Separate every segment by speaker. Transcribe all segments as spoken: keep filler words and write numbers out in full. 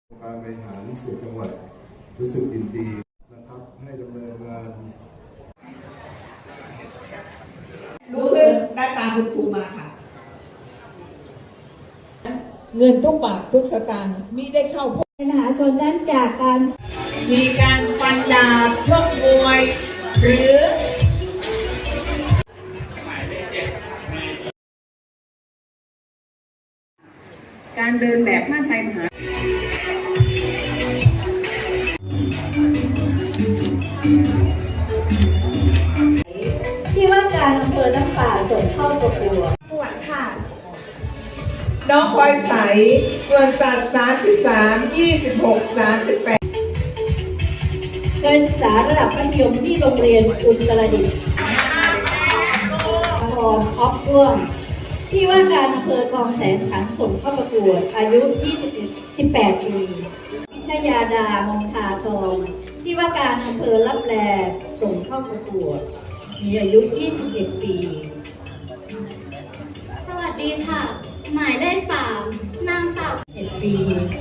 Speaker 1: การบริหารส่วนจังหวัดรู้สึกยินดีนะครับให้ดำเนินงาน
Speaker 2: ลุกขึ้นหน้าตาคุณครูมาค่ะเงินทุกบาททุกสตางค์มิได้เข้าพก
Speaker 3: มหาชนนั้นจากการ
Speaker 2: มีการฟันดาบชกมวย หรือการเดินแบบผ้าไทยมหา
Speaker 3: ที่ว่าการอำเภอน้ำป่าส่งเข้าประกวด
Speaker 2: ปวดค่ะน้องพลอยใสส่วนสัตว์สามสิบสาม ยี่สิบหก สามสิบแปด
Speaker 3: เคยศึกษาระดับมัธยมที่โรงเรียนอุตรดิตถ์พรออฟร่วมที่ว่าการอำเภอคลองแสนขันส่งเข้าประกวดอายุยี่สิบ สิบแปดปีวิชยาดามงคาทองที่ว่าการอำเภอลับแลส่งเข้าประกวดมีอายุยี่สิบเอ็ดปี
Speaker 4: สวัสดีค่ะหมายเลขสามนางสาว
Speaker 3: เจ็ดปี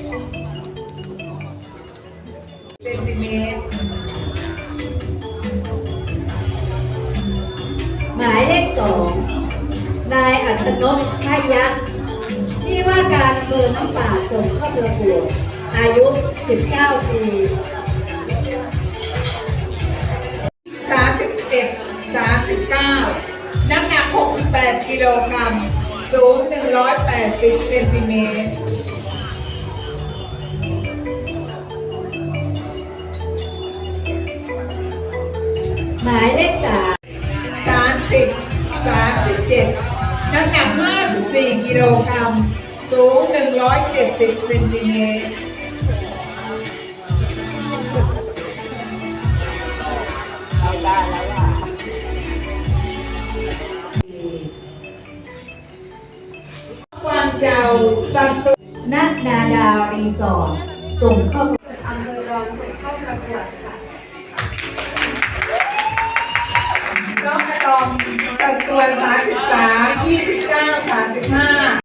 Speaker 2: เซนติเมตร
Speaker 3: หมายเลขสองนายอัธนพพยัคฆ์ที่ว่าการอำเภอน้ำป่าส่งเข้าประกวดอายุสิบเก้าปี
Speaker 2: สามสิบเอ็ด สามสิบเก้าน้ำหนักหกสิบแปดกิโลกรัมสูงหนึ่งร้อยแปดสิบเซนติเมตร
Speaker 3: หมายเลขสาม
Speaker 2: สามสิบ สามสิบเจ็ดน้ำหนักห้าสิบสี่กิโลกรัมสูงหนึ่งร้อยเจ็ดสิบเซนติเมตรเอาได้แล้วล่ะกวางเจ้าซัมซุง
Speaker 3: นักนาดาวรีสอร์ทส่งเข้า
Speaker 4: อำเภอรองส่งเข้าประกวดค่ะ
Speaker 2: น้องอะตอมสัดส่วนสามสิบสาม